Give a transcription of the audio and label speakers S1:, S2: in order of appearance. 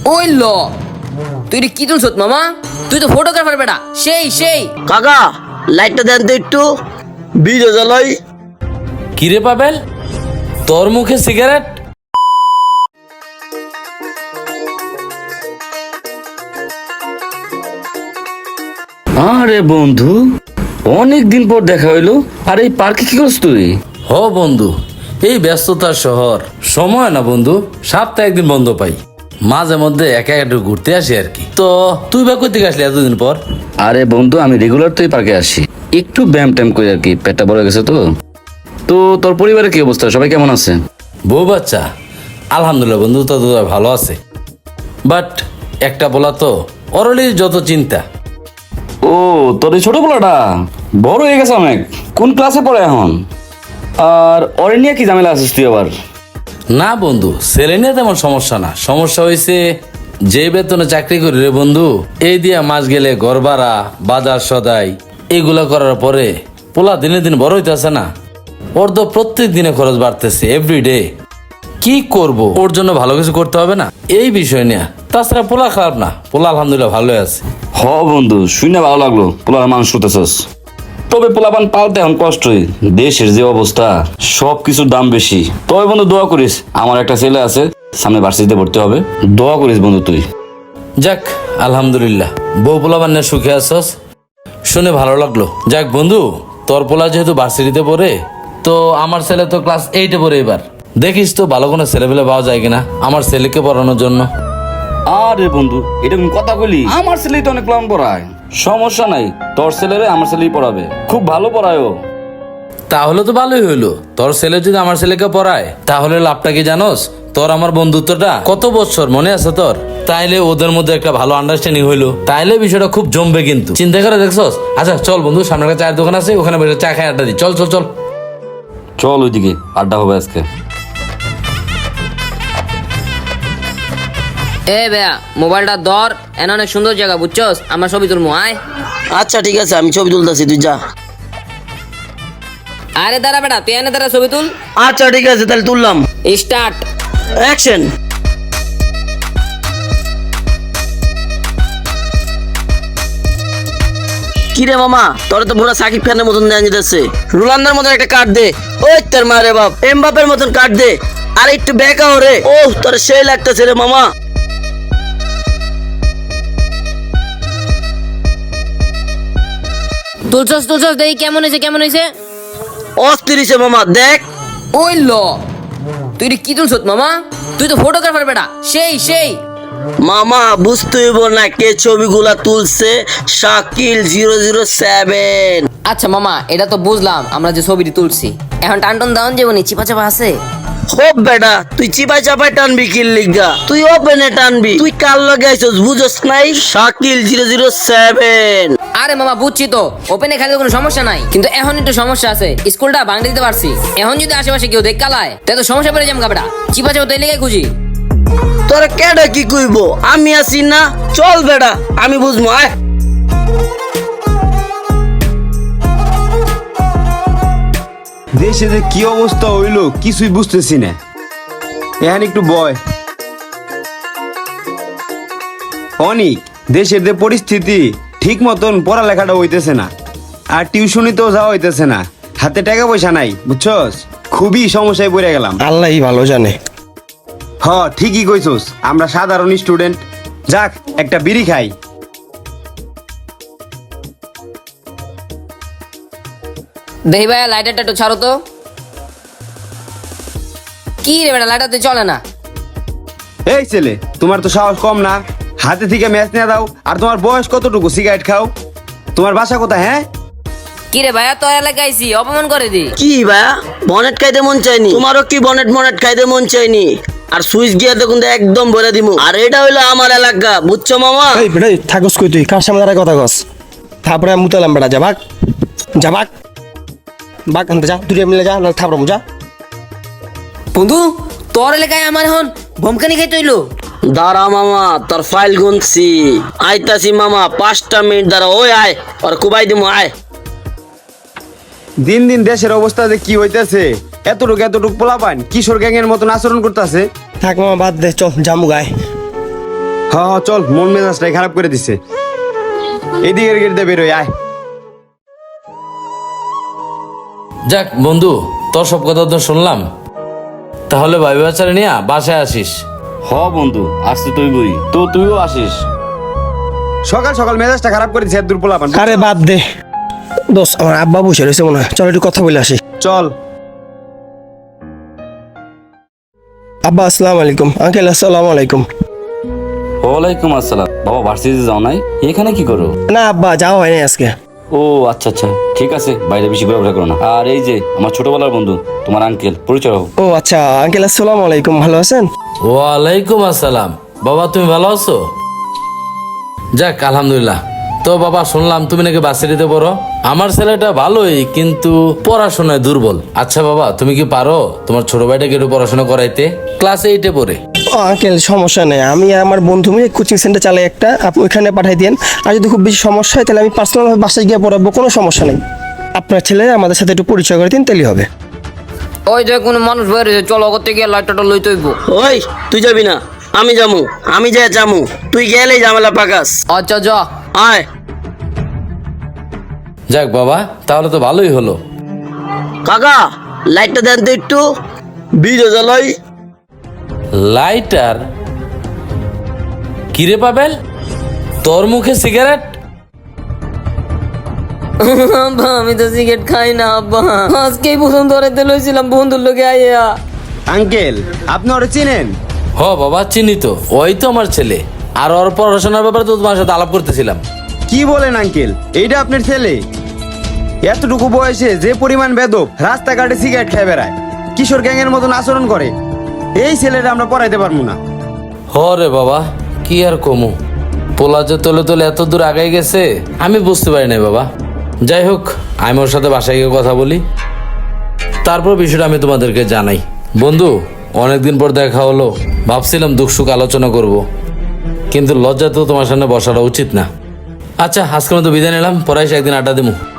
S1: ওই ল তুই কি তুলছ মামা? তুই তো ফটোগ্রাফার বেটা। সেই সেই
S2: কাকা লাইটটা দেন তো একটু, ভিডিও জ্বালাই।
S3: কিরে পাবেল, তোর মুখে সিগারেট?
S4: আরে বন্ধু, অনেক দিন পর দেখা হইলো। আর এই পার্কে কি করছ তুই?
S3: হ বন্ধু, এই ব্যস্ততার শহর, সময় না বন্ধু, সপ্তাহে একদিন বন্ধ পাই, মাঝে মধ্যে একা একটু ঘুরতে আসি আর কি। তো তুই বা কই থেকে আসলি এতদিন পর?
S4: আরে বন্ধু, আমি রেগুলার তুই পার্কে আসি, একটু ব্যায়াম ট্যাম করি আর কি, পেটটা বড় গেছে তো। তো তোর পরিবারের কি অবস্থা, সবাই কেমন আছে?
S3: বউ বাচ্চা আলহামদুলিল্লাহ বন্ধু, তো ভালো আছে। বাট একটা বলা তো, অরলি যত চিন্তা।
S4: ও, তোর এই ছোট পোলাটা বড় হয়ে গেছে অনেক, কোন ক্লাসে পড়ে এখন? আর ওরে নিয়ে কি ঝামেলা আছিস তুই আবার?
S3: না বন্ধু, ছেলে নিয়ে তেমন সমস্যা না, সমস্যা হয়েছে যে বেতনে চাকরি করি রে বন্ধু, এই দিয়া মাস গেলে ঘর ভাড়া, বাজার সদাই এগুলা করার পরে পোলা দিনে দিন বড় হইতেছে না। ওর তো প্রত্যেক দিনে খরচ বাড়তেছে, এভরিডে। কি করব, ওর জন্য ভালো কিছু করতে হবে না, এই বিষয় নিয়ে। তাছাড়া পোলা খারাপ না, পোলা আলহামদুলিল্লাহ ভালোই আছে।
S4: হ বন্ধু, শুনে ভালো লাগলো পোলার মানুষ করতেছস। তবে পোলাপান পালতে এখন কষ্টই, দেশের যে অবস্থা, সব কিছুর দাম বেশি। তবে বন্ধু দোয়া করিস, আমার একটা ছেলে আছে, সামনে ভার্সিটিতে ভর্তি হবে, দোয়া করিস বন্ধু তুই।
S3: যাক আলহামদুলিল্লাহ, বউ পোলা বান্না সুখে আছস, শুনে ভালো লাগলো। যাক বন্ধু, তোর পোলা যেহেতু ভার্সিটিতে পড়ে, তো আমার ছেলে তো ক্লাস 8-এ পড়ে, এবার দেখিস তো ভালো কোনো ছেলেপেলে পাওয়া যায় কিনা আমার ছেলেকে পড়ানোর জন্য।
S4: আরে বন্ধু, এটা কোন কথা বলি? আমার ছেলেই তো অনেক প্ল্যান পড়ায়, সমস্যা নাই, তোর ছেলেরে আমার ছেলেই পড়াবে, খুব ভালো পড়ায় ও।
S3: তাহলে তো ভালোই হইলো, তোর ছেলে যদি আমার ছেলেকে পড়ায় তাহলে লাভটা কি জানোস? তোর আমার বন্ধুত্বটা কত বছর মনে আছে তোর, তাইলে ওদের মধ্যে একটা ভালো আন্ডারস্ট্যান্ডিং হইলো, তাইলে বিষয়টা খুব জমবে কিন্তু, চিন্তা করে দেখছস? আচ্ছা চল বন্ধু, সামনে একটা চায়ের দোকান আছে, ওখানে বসে চা খাই আড্ডা দিই, চল চল চল।
S4: চল ওইদিকে আড্ডা হবে আজকে।
S1: এ বেয়া মোবাইলটা ধর, এন অনেক সুন্দর জায়গা বুঝছস, আমার ছবি তুলবো আয়।
S2: আচ্ছা ঠিক আছে, আমি ছবি তুলতেছি, তুই যা।
S1: আরে দাঁড়া বেটা, তুই এনে দাঁড়া, ছবি তুল।
S2: আচ্ছা ঠিক আছে, তাহলে তুললাম।
S1: স্টার্ট।
S2: অ্যাকশন। কিরে মামা, তোর তো পুরো সাকিব খানের মতন দেন যেতেছে, রোনালদোর মতন একটা কাট দে। ওই তোর মারে বাপ, এমবাপের মতন কাট দে, আর একটু বেকা ওরে। ও তোর সেই লাগতেছে রে মামা।
S1: তুলছস তুলছস, দেখি কেমন হয়েছে কেমন হয়েছে।
S2: অস্থির হইছে মামা, দেখ।
S1: ওই ল তুই কি তুলছ মামা? তুই তো ফটোগ্রাফার বেটা। সেই সেই
S2: মামা বুঝতে হইব না কে ছবিগুলা তুলছে, শাকিল 007।
S1: আচ্ছা মামা, এটা তো বুঝলাম আমরা যে ছবিটি তুলছি, এখন টানটন দাউন যেমন চিপা চাপা আছে।
S2: হোপ বেটা, তুই চিপাই চাপাই টানবি কিল লিগা, তুই ওপেনে টানবি। তুই কার লগে আইছস বুঝছস নাই? শাকিল 007।
S1: আরে মামা বুঝছি তো, ওপেনে খেলে কোনো সমস্যা নাই, কিন্তু এখন একটু সমস্যা আছে, স্কুলটা ভাঙতে দিতে পারছি, এখন যদি আশেপাশে কেউ দেখ কালায় তাই তো সমস্যা পড়ে যাম কাপড়া, চিপা চাপা তাই লেগে খুঁজি।
S2: তোরা কেডা কি কইব, আমি আছি না? চল বেটা, আমি বুঝবো, আয়।
S5: দেশে যে কি অবস্থা হইলো কিছুই বুঝতেছি না। এখন একটু বয় অনেক, দেশের যে পরিস্থিতি, ঠিক মতন পড়ালেখাটা হইতেছে না, আর টিউশনিতেও যাওয়া হইতেছে না, হাতে টাকা পয়সা নাই, বুঝছস? খুবই সমস্যায় পড়ে গেলাম।
S6: আল্লাহই ভালো জানে।
S5: হ ঠিকই কইছস, আমরা সাধারণ স্টুডেন্ট। যাক একটা বিড়ি খাই।
S1: দেখি ভাইয়া লাইটারটা একটু ছাড়ো তো। কি রে বেটা, লাইটারতে চলে না।
S5: এই ছেলে, তোমার তো সাহস কম না, হাতে থেকে ম্যাচ নিয়ে দাও। আর তোমার বয়স কতটুকু সিগারেট খাও? তোমার বাসা কোথায়? হ্যাঁ
S1: কি রে ভাইয়া, তোর এলাকায় আইছি, অপমান করে দি।
S2: কি ভাইয়া, বনেট খাইতে মন চাইনি? তোমারও কি বনেট মনেট খাইতে মন চাইনি? আর সুইচ গিয়া দেখুন তো একদম ভরে দিমু। আর এটা হইলো আমার এলাকা, বুঝছো মামা?
S6: এই বেটা থাকস কই তুই, কার সামনে দাঁড়ায় কথা কস? তারপরে আমি মুতালাম বেটা, যা ভাগ যা ভাগ ভাগ, আনতে যা, দুটো মিলে যা, না থাপড়াম যা।
S1: বন্ধু, তোর এলাকায় আমার এখন ভমকানি খাইতে হইলো।
S2: দাঁড়া মামা, তোর ফাইল গুনছি, আইতাছি মামা, 5টা মিনিট দাঁড়া। ওই আয়, আর কুবাই দিমু, আয়।
S5: দিন দিন দেশের অবস্থা যে কি হইতেছে, এতটুক পোলাপান কিশোর গ্যাংয়ের মতন আচরণ করতেছে।
S6: থাক মামা বাদ দে, চল জামু গায়।
S5: হ্যাঁ চল, মন মেজাজটাই খারাপ করে দিছে। এদিকের গেট দিয়ে বেরোয় আয়।
S3: যাক বন্ধু, তোর সব কথা তো শুনলাম, তাহলে ভাই বাচ্চারা নিয়ে বাসায় আসিস।
S4: হ বন্ধু, আসতে তুই বই তো, তুইও আসিস।
S5: সকাল সকাল মেজাজটা খারাপ করে দিছে দূর পোলাপান।
S6: আরে বাদ দে দোস্ত, আমার আব্বা বসে রয়েছে মনে হয়, চল একটু কথা বলে আসি।
S5: চল।
S6: আব্বা আসসালামু আলাইকুম। আঙ্কেল আসসালামু আলাইকুম।
S4: ওয়ালাইকুম আসসালাম। বাবা ভার্সিটিতে যাও নাই? এখানে কি করো?
S6: না আব্বা, যাওয়া হয়নি আজকে।
S4: ও আচ্ছা আচ্ছা, ঠিক আছে, বাইরে বেশি ঘোরাফেরা করো না। আর এই যে আমার ছোটবেলার বন্ধু, তোমার আঙ্কেল, পরিচয় হোক।
S6: ও আচ্ছা আঙ্কেল আসসালামু আলাইকুম, ভালো আছেন?
S3: ওয়ালাইকুম আসসালাম। বাবা তুমি ভালো আছো? যাক আলহামদুলিল্লাহ। তো বাবা শুনলাম তুমি নাকি ভার্সিটিতে পড়ো। আমার ছেলেটা ভালোই, কিন্তু পড়াশোনায় দুর্বল। আচ্ছা বাবা, তুমি কি পারো তোমার ছোট ভাইটাকে একটু পড়াশোনা করাইতে? ক্লাস 8-এ পড়ে।
S6: ও আঙ্কেল সমস্যা নেই, আমি আর আমার বন্ধু মিলে কোচিং সেন্টার চালাই একটা, আপনি ওইখানে পাঠাই দেন। আর যদি খুব বেশি সমস্যা হয় তাহলে আমি পার্সোনালভাবে বাসায় গিয়ে পড়াবো, কোনো সমস্যা নেই। আপনার ছেলে আমাদের সাথে একটু পরিচয় করে দিন, তাহলেই হবে।
S1: ওই যে কোনো মানুষ বেরিয়েছে, চলো করতে গিয়ে লাইটটা লইতে হইব।
S2: ওই তুই যাবি না, আমি যামু, আমি যাই যামু, তুই গেলেই ঝামেলা পাকাস।
S1: আচ্ছা যা।
S2: আয়।
S3: যাক বাবা, তাহলে তো ভালোই হলো।
S2: কাকা লাইটটা দেন তো একটু, ভিডিও জ্বালাই।
S3: লাইটার? কিরে পাবেল, তোর মুখে সিগারেট?
S1: আব্বা আমি তো সিগারেট খাই না আব্বা, আজকেই প্রথম ধরাইতে লইছিলাম বন্ধুর লোকে আইয়া।
S5: আঙ্কেল, আপনি ওরা চিনেন?
S3: হ বাবা চিনি তো, ওই তো আমার ছেলে। আর ওর পড়াশোনার ব্যাপারে তো তোমার সাথে আলাপ করতেছিলাম।
S5: কি বলেন আঙ্কেল, এইটা আপনার ছেলে? এতটুকু বয়সে যে পরিমাণ বেদব, রাস্তাঘাটে সিগারেট খেয়ে বেড়ায়, কিশোর গ্যাংয়ের মতন আচরণ করে, এই ছেলেটা আমরা পড়াইতে পারবো না।
S3: হ রে বাবা, কি আর কমু, পোলা যে তলে তলে এত দূর আগাই গেছে আমি বুঝতে পারি নাই বাবা। যাই হোক, আমি ওর সাথে বাসায় গিয়ে কথা বলি, তারপর বিষয়টা আমি তোমাদেরকে জানাই। বন্ধু, অনেকদিন পর দেখা হলো, ভাবছিলাম দুঃখ সুখ আলোচনা করব, কিন্তু লজ্জা তো তোমার সামনে বসাটা উচিত না। আচ্ছা আজকের মতো বিদায় নিলাম, পরে এসে একদিন আড্ডা দেবো।